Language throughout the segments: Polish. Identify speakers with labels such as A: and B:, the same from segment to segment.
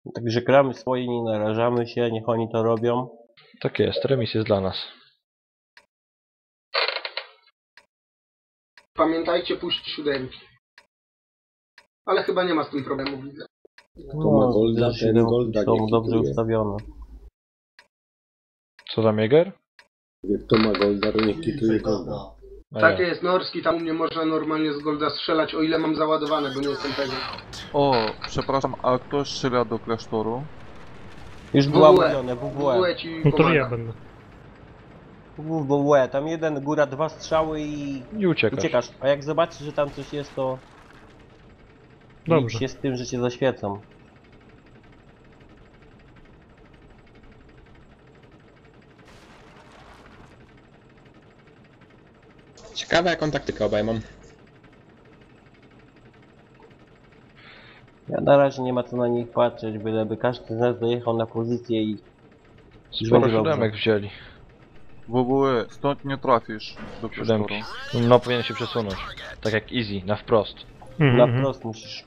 A: Także gramy swoje, nie narażamy się, niech oni to robią.
B: Tak jest, remis jest dla nas.
C: Pamiętajcie, puść 7. Ale chyba nie ma z tym problemu, widzę.
D: To ma golda,
A: że
D: ten golda
A: są
D: nie
A: dobrze
D: kituje.
A: ustawione.
B: Co tam, Jäger?
D: Jak to ma golda, to niech kituje golda.
B: A
C: Tak
B: ja.
C: jest, Norski, tam u mnie można normalnie z Golda strzelać, o ile mam załadowane, bo nie jestem pewien.
E: O, przepraszam, a kto strzela do klasztoru?
A: Już była
C: WWE.
A: mówione, WWE.
C: WWE ci
F: No to
C: pomaga.
F: ja będę.
A: WWE, tam jeden góra, 2 strzały i
B: I uciekasz.
A: uciekasz. A jak zobaczysz, że tam coś jest, to
F: Dobrze.
A: licz się z tym, że cię zaświecą.
G: Ciekawe jaką taktykę obejmą.
A: Ja na razie nie ma co na nich patrzeć, byleby każdy z nas dojechał na pozycję i
B: Sporo
A: będzie dobrze.
B: siódemek wzięli.
E: WWE, stąd nie trafisz do klasztoru.
B: Siódemki. No powinien się przesunąć. Tak jak Easy, na wprost.
A: na wprost musisz.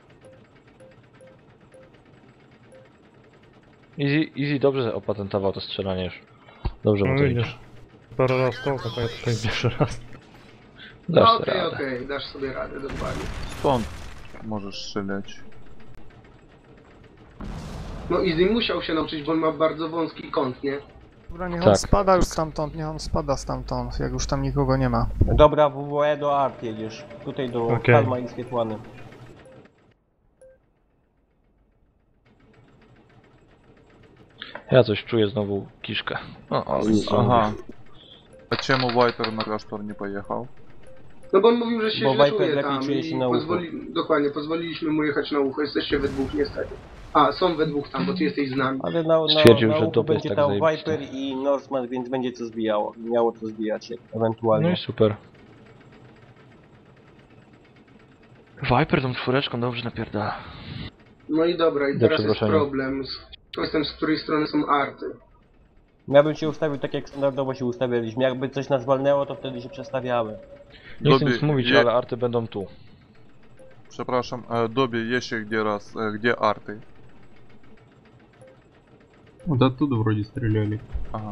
B: Easy dobrze opatentował to strzelanie już. Dobrze mu
F: No
B: to idzie.
F: widzisz. Parę raz to, to ja tutaj pierwszy raz.
B: Dasz
C: No
B: sobie
C: okej,
B: radę.
C: okej, dasz sobie radę, dokładnie.
E: Stąd możesz strzelać.
C: No Easy musiał się nauczyć, bo on ma bardzo wąski kąt, nie?
H: Dobra, niech on
B: Tak.
H: spada już stamtąd, niech on spada stamtąd, jak już tam nikogo nie ma.
A: Dobra, WWE do Art jedziesz. Tutaj do
F: Okej.
A: Palma i Swietłany.
B: Ja coś czuję znowu kiszkę. O,
E: Aha. A czemu Viper na klasztor nie pojechał?
C: No bo on mówił, że się
A: Bo
C: źle
A: Viper
C: czuje
A: lepiej
C: tam
A: czuje się
C: i
A: na ucho.
C: dokładnie, pozwoliliśmy mu jechać na ucho, jesteście we dwóch niestety. A, są we dwóch tam, bo ty jesteś z nami.
A: Ale na
B: Stwierdził,
A: na
B: że
A: uchu
B: dupy jest
A: będzie
B: tak
A: tam
B: zajebiste.
A: Viper i Norseman, więc będzie co zbijało. Miało co zbijać się, ewentualnie.
B: No i super. Viper tą czwóreczką dobrze napierdala.
C: No i dobra, i
B: Do
C: teraz jest
B: przeproszenia.
C: problem. Kwestią, z której strony są arty.
A: Ja bym się ustawił tak jak standardowo się ustawialiśmy. Jakby coś nas walnęło, to wtedy się przestawiamy.
B: Nie chcę
E: Dobie,
B: nic mówić,
E: je-
B: ale arty będą tu.
E: Przepraszam, Dobie, jeszcze где арты?
I: Вот оттуда вроде стреляли.
E: Ага.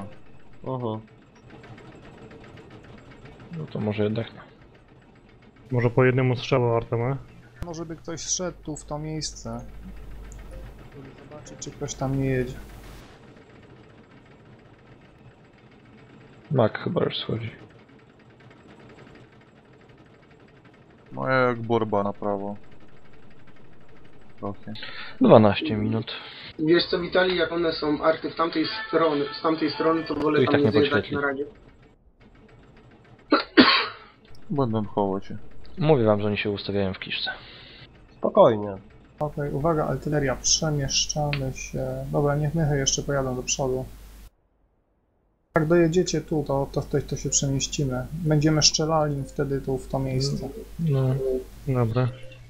B: No to może jednak nie.
F: Może po jednemu strzału Artema.
H: Może by ktoś szedł tu w to miejsce. Żeby zobaczyć, czy ktoś tam nie jedzie.
B: Mak chyba już schodzi.
E: No jak borba na prawo. Trochę.
B: 12 minut.
C: Wiesz co, Witali, jak one są arty z tamtej strony, to wolę
B: Tu i
C: tam
B: tak
C: nie
B: nie
C: zjeżdżać
B: podświetli.
C: na razie.
E: Będą chować się.
B: Mówię wam, że oni się ustawiają w kiszce.
A: Spokojnie.
H: Okej, uwaga, artyleria, przemieszczamy się. Dobra, niech mychy jeszcze pojadą do przodu. Jak dojedziecie tu, to się przemieścimy. Będziemy strzelali wtedy tu w to miejsce.
F: No, dobra.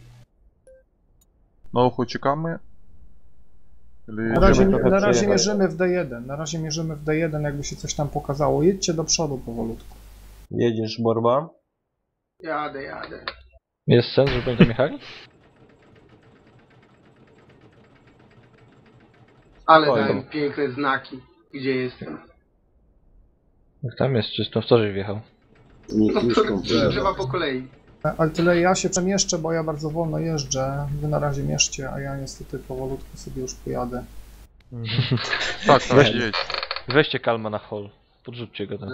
E: Na ucho czekamy? Или
H: Na razie,
A: Możemy trochę
H: na razie
A: przejechać.
H: mierzymy w D1, na razie mierzymy w D1, jakby się coś tam pokazało. Jedźcie do przodu powolutku.
A: Jedziesz, Borba.
C: Jadę.
B: Jest sens, żeby oni tam jechali?
C: Ale
A: Oj.
C: dałem piękne znaki, gdzie jestem.
B: Jak tam jest czysto, w co żeś wjechał?
D: Niech
C: No
D: kiszką
C: trzeba
D: wlewa.
C: po kolei.
H: Artyleria, ja się przemieszczę, bo ja bardzo wolno jeżdżę. Wy na razie mierzcie, a ja niestety powolutku sobie już pojadę.
E: Tak, tak, jedź.
B: Weźcie Kalma na hol. Podrzućcie go tam.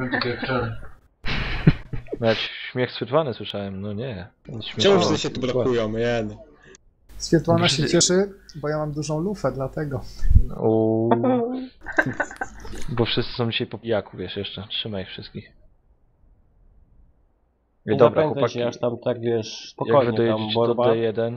B: Nawet śmiech schwytwany słyszałem, no nie.
G: Czemu
B: Śmieszne.
G: wszyscy się tu blokują, jeden.
H: Świetłana się cieszy, bo ja mam dużą lufę, dlatego.
B: Uuu. Bo wszyscy są dzisiaj po pijaku, wiesz, jeszcze. Trzymaj ich wszystkich.
A: Nie
B: Dobra,
A: zapędzaj
B: chłopaki,
A: się aż tam tak, wiesz,
B: jak
A: spokojnie
B: wy
A: tam,
B: dojedziecie do
A: Borba.
B: D1,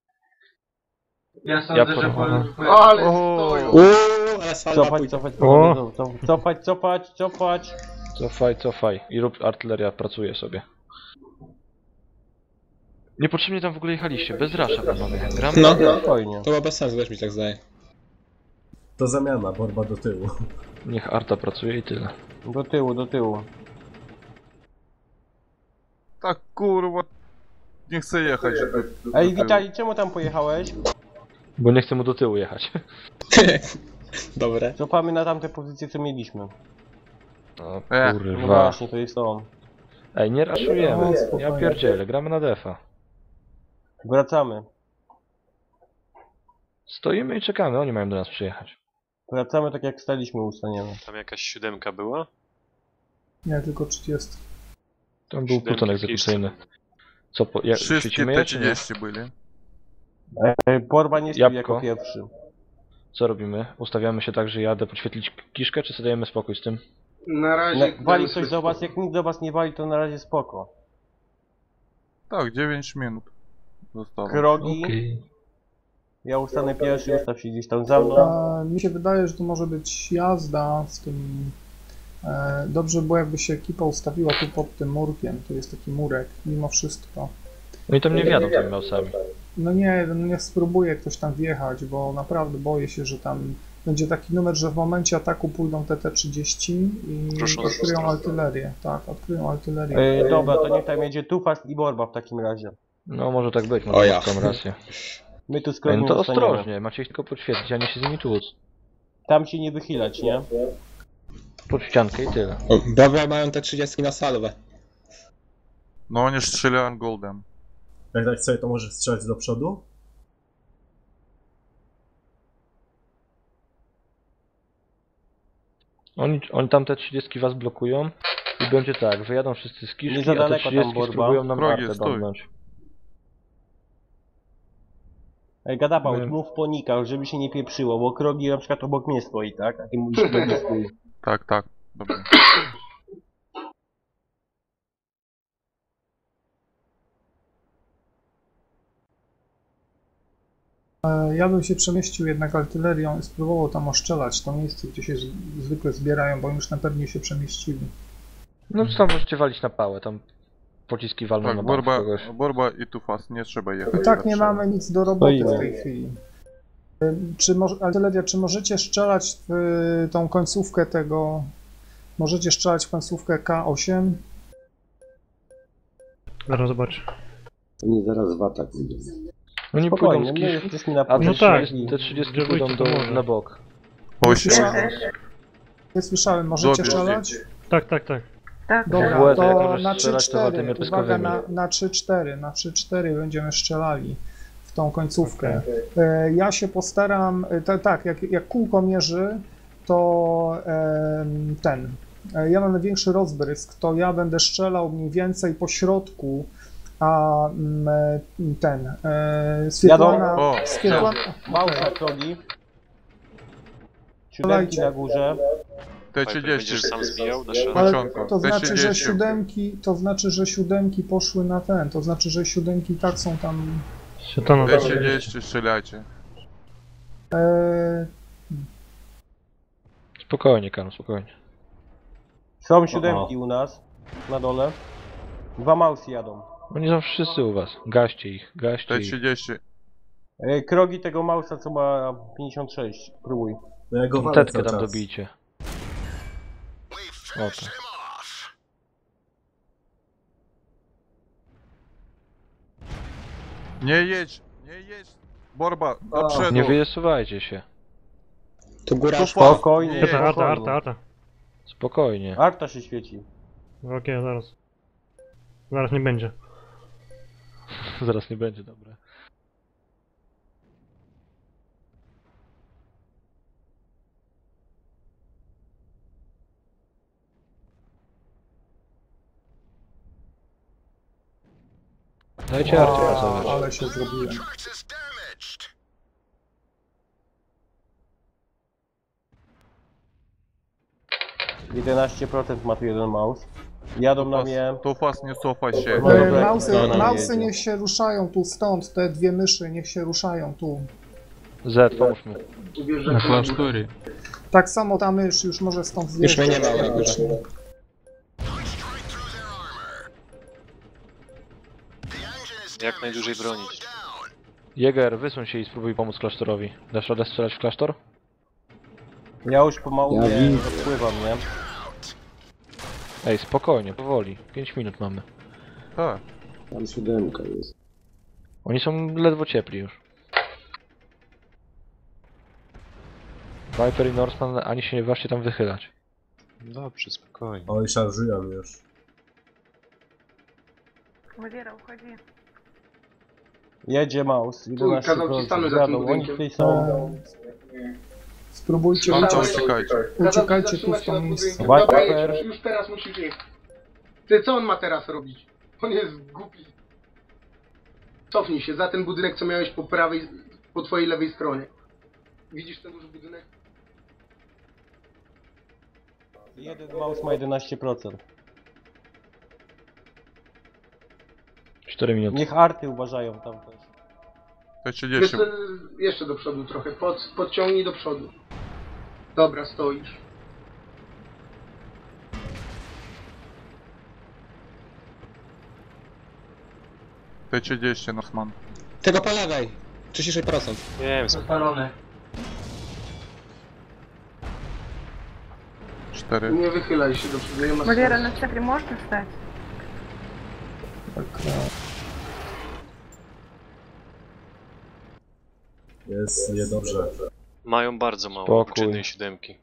C: Ja
B: Ja
C: sądzę, że
B: po-
C: Ale
E: O.
C: stoją!
G: Ale salwa
A: Cofać,
G: pójdzie.
A: cofać,
F: O!
A: cofać.
B: cofaj i rób, artyleria pracuje sobie. Niepotrzebnie tam w ogóle jechaliście, bez rasza panowie. Gramy
G: No,
A: Spokojnie.
G: to ma bez sensu, też mi się tak zdaje.
D: To zamiana, borba do tyłu.
B: Niech arta pracuje i tyle.
A: Do tyłu.
E: Tak kurwa. Nie chcę jechać.
A: Ej, Witali, czemu tam pojechałeś?
B: Bo nie chcę mu do tyłu jechać.
G: Dobre.
A: Cofamy na tamte pozycje, co mieliśmy.
B: O
A: No
B: kurwa.
A: właśnie, to jest to.
B: Ej, nie raszujemy.
H: No, spokojnie.
B: Ja pierdzielę, gramy na defa.
A: Wracamy.
B: Stoimy i czekamy, oni mają do nas przyjechać.
A: Wracamy tak jak staliśmy, ustaniemy.
J: Tam jakaś 7 była?
H: Nie, tylko 30.
B: Tam był pluton egzekucyjny. Co,
E: Wszystkie
B: świecimy je, czy nie?
E: T30 byli.
A: Borba nie stał
B: Jabłko.
A: jako pierwszy.
B: Co robimy? Ustawiamy się tak, że jadę podświetlić kiszkę, czy sobie dajemy spokój z tym?
C: Na razie...
A: Wali
C: dajmy
A: coś
C: sobie
A: do was,
C: spokój.
A: jak nikt do was nie wali, to na razie spoko.
E: Tak, 9 minut. Zostało.
A: Krogi, ja ustanę pierwszy, ustaw się gdzieś tam za mną.
H: Mi się wydaje, że to może być jazda z tym... Dobrze było, jakby się ekipa ustawiła tu pod tym murkiem. Tu jest taki murek, mimo wszystko.
B: Oni tam nie wjadą tymi mausami.
H: No nie, no niech spróbuje ktoś tam wjechać, bo naprawdę boję się, że tam będzie taki numer, że w momencie ataku pójdą TT-30 i
J: Proszone
H: odkryją
J: strony.
H: artylerię. Tak, odkryją artylerię.
A: Dobra, to niech tam jedzie Tufast i Borba w takim razie.
B: No może tak być,
G: O
B: może
G: ja.
B: mam rację.
A: My tu z
B: Ej,
A: Krogiem
B: no to
A: zostaniemy.
B: ostrożnie, macie ich tylko podświetlić, a nie się z nimi tłuc.
A: Tam się nie wychylać, nie?
B: Pod ściankę i tyle.
G: O, dobra, mają te 30 na salwę.
E: No oni strzelają goldem.
D: Jak tak sobie to może strzelać do przodu?
B: Oni tam te 30 was blokują i będzie tak, wyjadą wszyscy z kiszki,
A: Nie za
B: a te
A: daleko tam
B: 30
A: Borba.
B: spróbują nam
E: Krogi,
B: artę
E: stój.
B: domknąć.
A: Gadabaut,
B: Nie.
A: mów po nikach, żeby się nie pieprzyło, bo Krogi na przykład obok mnie stoi, tak? A ty mówisz do mnie stoi.
E: Tak, tak. Dobra.
H: Ja bym się przemieścił jednak artylerią i spróbował tam oszczelać to miejsce, gdzie się zwykle zbierają, bo już na pewno się przemieścili.
B: No to tam możecie walić na pałę, tam pociski walną na
E: Tak,
B: bank kogoś.
E: Borba i Tufas, nie trzeba jechać.
H: I tak nie
E: Trzeba.
H: mamy nic do roboty
A: Stoimy.
H: w tej chwili. Artyleria, czy możecie strzelać w tą końcówkę tego... Możecie strzelać w końcówkę K8?
F: Zaraz zobacz.
D: Oni zaraz w atak wyjdą.
B: Oni pójdą
A: Spokojnie,
B: z
A: my
B: kiszki,
A: jesteśmy na
B: a te
F: No tak.
B: 30, te 30
F: Gdzie
B: pójdą
F: wójcie,
B: do,
F: to może.
B: na bok.
E: 8.
H: Nie słyszałem, możecie
E: Dobierz
H: strzelać?
F: Tak, tak, tak.
H: Dobra,
B: W łez, jak
H: to
B: możesz
H: na
B: strzelać, to waltymi
H: 3-4, uwaga,
B: pyskowymi.
H: na 3-4, na 3-4 będziemy strzelali w tą końcówkę. Ja się postaram, tak, jak kółko mierzy, to ja mam największy rozbrysk, to ja będę strzelał mniej więcej po środku, a Swietlana...
E: O,
H: Swietlana
A: Małsza Krogi. Siódemki na górze.
J: Będziesz
E: T30.
J: sam zbijał na szale?
H: Ale
E: Początku.
H: to znaczy, że
E: T30.
H: siódemki poszły na ten, to znaczy, że siódemki tak są tam...
F: Świetano
E: T30 strzelajcie.
B: Spokojnie, Karol, spokojnie.
A: Są siódemki u nas. Na dole. 2 mausy jadą.
B: Oni są wszyscy u was. Gaście ich, gaście ich.
E: T30.
A: Krogi tego mausa, co ma 56. Próbuj.
D: No ja go walę
B: Tetkę
D: cały
B: tam
D: czas.
B: dobijcie. O to.
E: Nie jedź, nie jedź. Borba, do przodu.
B: Nie wyjesuwajcie się.
G: Tu góra
E: Tufas,
A: Spokojnie,
E: nie
F: Arta,
E: jedź.
F: arta, arta, arta.
B: Spokojnie.
A: Arta się świeci.
F: Okej, zaraz. Zaraz nie będzie.
B: Zaraz nie będzie, dobra. Dajcie Arcie pracować.
H: Ale się zrobiłem.
A: 11% ma tu jeden maus. Jadą na mnie.
E: Tufas, nie cofaj się.
A: No dobra,
H: Mausy
A: jedzie.
H: niech się ruszają tu stąd, te dwie myszy niech się ruszają tu.
B: Z, pomóż mu.
I: Na klasztorie.
H: Tak samo ta mysz już może stąd
G: Już
H: zjeżdżać.
G: mnie nie ma na górze.
H: praktycznie.
J: Jak najdłużej bronić.
B: Jäger, wysuń się i spróbuj pomóc klasztorowi. Dasz radę strzelać w klasztor?
A: Ja już pomału
D: Ja
A: nie
D: widzę.
A: odpływam, nie?
B: Ej, spokojnie, powoli. 5 minut mamy.
E: Tak.
D: Tam siódemka jest.
B: Oni są ledwo ciepli już. Viper i Norseman ani się nie ważcie tam wychylać.
J: Dobrze, spokojnie.
D: Oj, szarżują już.
K: Валера, уходи.
A: Jedzie Maus,
C: kazał ci stanąć za tym
A: 11%. Oni
C: budynkiem.
A: tutaj są.
H: Spróbujcie
E: Mam to,
H: uciec.
E: uciekajcie.
H: Uciekajcie tu
C: Zatrzymać
H: w
C: się
H: to
C: nad
H: miejsce.
C: budynkiem.
A: Viper.
C: Dobra, już teraz musisz iść. Ty, co on ma teraz robić? On jest głupi. Cofnij się za ten budynek, co miałeś po prawej, po twojej lewej stronie. Widzisz ten duży budynek?
A: Jeden Maus ma 11%.
B: 4 minuty.
A: Niech arty uważają tam też.
E: T30.
C: Jeszcze do przodu trochę. Podciągnij do przodu. Dobra, stoisz.
E: T30, Norseman.
G: Tego po lewej. 36%.
J: Wiem,
C: Zapalone.
E: 4.
C: Nie wychylaj się do przodu, nie ma
K: Валера,
C: sensu.
K: на центре можно встать?
H: Tak,
D: Jest niedobrze.
J: mają bardzo mało,
B: Spokój.
J: oprócz jednej siódemki.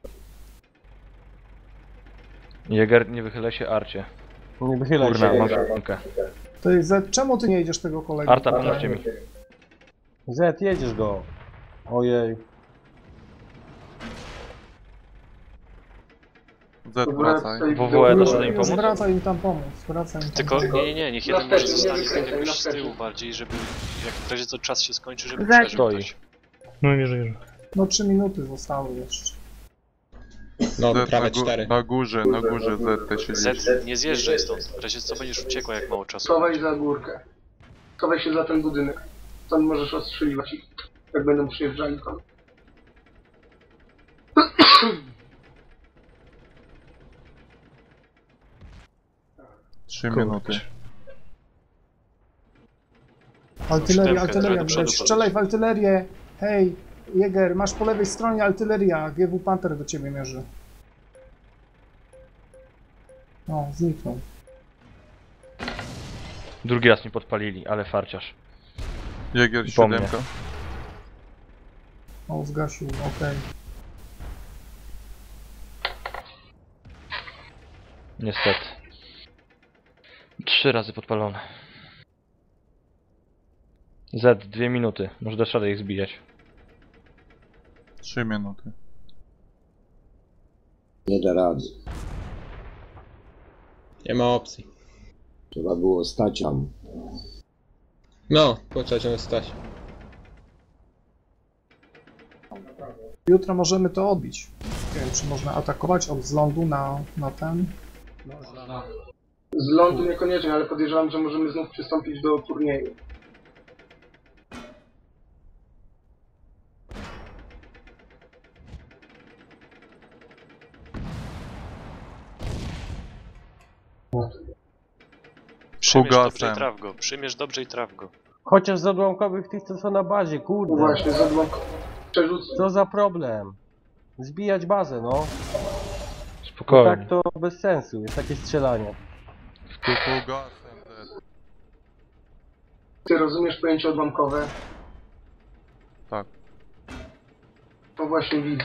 B: Jäger, nie wychylaj się Arcie.
A: Nie wychylaj
B: Kurna,
A: się.
B: masz rękę.
H: To jest Z, czemu ty nie jedziesz tego kolegi?
B: Arta, pomóżcie mi.
A: Z, jedziesz go. Ojej.
E: Z, wracaj.
B: WWE
H: Już,
B: da im pomóc?
H: wracaj im tam pomóc, wracaj im tam
J: Tylko
H: pomóc.
J: nie, niech jeden może zostanie z tym już z
C: Na
J: tyłu bardziej, żeby jak w razie co czas się skończy, żeby
K: Za-
J: przeżył
B: Stoi.
J: ktoś.
F: No wierzę.
H: No 3 minuty zostały jeszcze.
G: No,
E: Z
G: prawie 4.
E: na górze Z, T30.
J: Z, nie zjeżdżaj stąd, w razie co będziesz uciekła jak mało czasu.
C: Schowaj za górkę. Schowaj się za ten budynek. Tam możesz ostrzeliwać ich, jak będą przyjeżdżali tam.
E: 3 minuty.
H: Artyleria,
J: Siódemkę,
H: artyleria,
J: do przodu
H: widać. Strzelaj w artylerię! Hej, Jäger, masz po lewej stronie artyleria. GW Panther do ciebie mierzy. O, zniknął.
B: Drugi raz mi podpalili, ale farciarz.
E: Jäger
B: Po mnie.
E: 7.
H: O, zgasił, okej.
B: Niestety. 3 razy podpalone. Z, 2 minuty. Może dasz radę ich zbijać.
E: 3 minuty.
D: Nie da rady.
G: Nie ma opcji.
D: Trzeba było stać tam.
G: No, trzeba ciągle stać.
H: Jutro możemy to odbić. Nie wiem, czy można atakować od zlądu na ten.
C: Z lądu niekoniecznie, ale podejrzewam, że możemy znów przystąpić do turnieju.
J: Przymierz dobrze
E: Fugasem.
J: i traf go, przymierz dobrze i traf go.
A: Chociaż z odłamkowych tych, co są na bazie,
C: No
A: kurde.
C: właśnie, zadłok przerzucę.
A: Co za problem? Zbijać bazę, no.
B: Spokojnie.
A: Tak to bez sensu, jest takie strzelanie.
E: Fugasem Z.
C: Ty rozumiesz pojęcie odłamkowe?
E: Tak.
C: To właśnie widzę.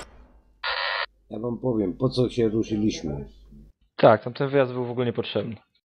D: Ja wam powiem, po co się ruszyliśmy.
B: Tak, tamten wyjazd był w ogóle niepotrzebny.